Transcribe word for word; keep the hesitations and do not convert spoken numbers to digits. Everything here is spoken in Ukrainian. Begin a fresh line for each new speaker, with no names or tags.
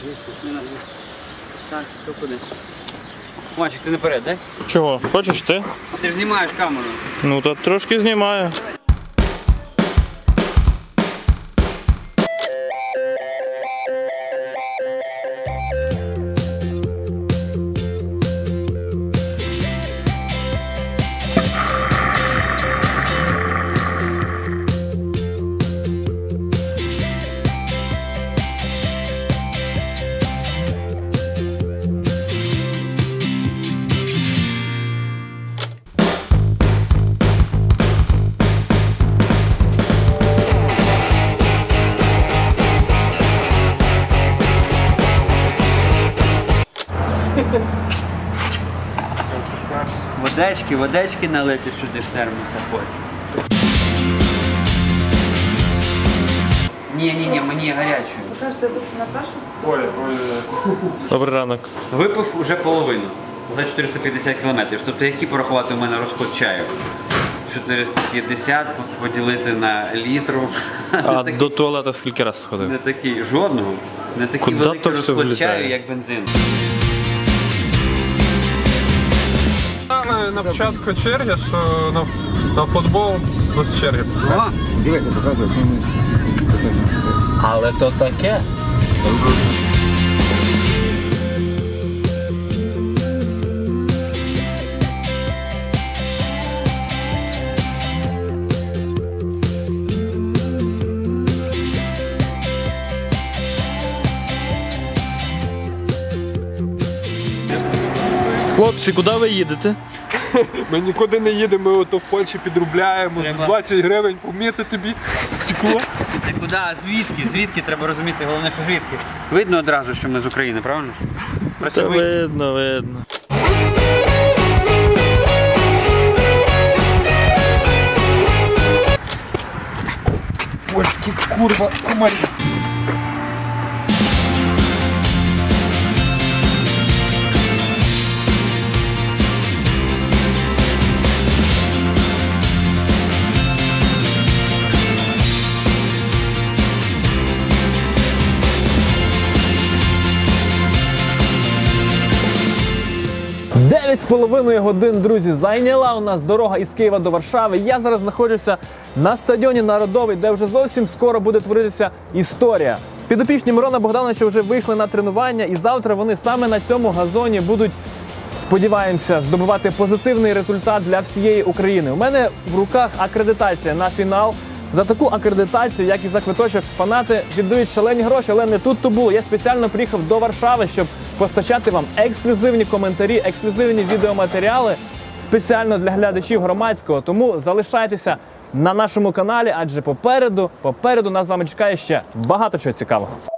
Так, то куди? Мальчик, ти наперед, так?
Чого? Хочеш ти?
Ти ж знімаєш камеру.
Ну, то трошки знімаю.
Водички, водички налити сюди в термоса хочу. Ні, ні, ні, мені гарячою.
Ви кажете, тут на першу?
Ой, ой. Добрий ранок.
Випив уже половину за чотириста п'ятдесят кілометрів. Тобто який порахувати у мене розход чаю? чотириста п'ятдесят поділити на літру.
А до туалету скільки разів сходив?
Не такий, жодного. Не такий
Куди
великий
то все
розход
влізає?
чаю, як бензин.
На початку черги, що на, на футбол без черги.
О,
Дивіться, показує.
Але то таке. Хлопці, куди ви їдете?
Ми нікуди не їдемо, ми ото в Польщі підробляємо.
Треба.
двадцять гривень поміти тобі стекло.
ти куди? А звідки? Звідки? Треба розуміти, головне, що звідки. Видно одразу, що ми з України, правильно?
Та
Працюємо.
видно, видно.
Польські курва комарі.
дев'ять з половиною годин, друзі, зайняла у нас дорога із Києва до Варшави. Я зараз знаходжуся на стадіоні Народовий, де вже зовсім скоро буде творитися історія. Підопічні Мирона Богдановича вже вийшли на тренування, і завтра вони саме на цьому газоні будуть, сподіваємося, здобувати позитивний результат для всієї України. У мене в руках акредитація на фінал. За таку акредитацію, як і за квиточок, фанати віддають шалені гроші, але не тут то було. Я спеціально приїхав до Варшави, щоб постачати вам ексклюзивні коментарі, ексклюзивні відеоматеріали спеціально для глядачів Громадського. Тому залишайтеся на нашому каналі, адже попереду, попереду нас з вами чекає ще багато чого цікавого.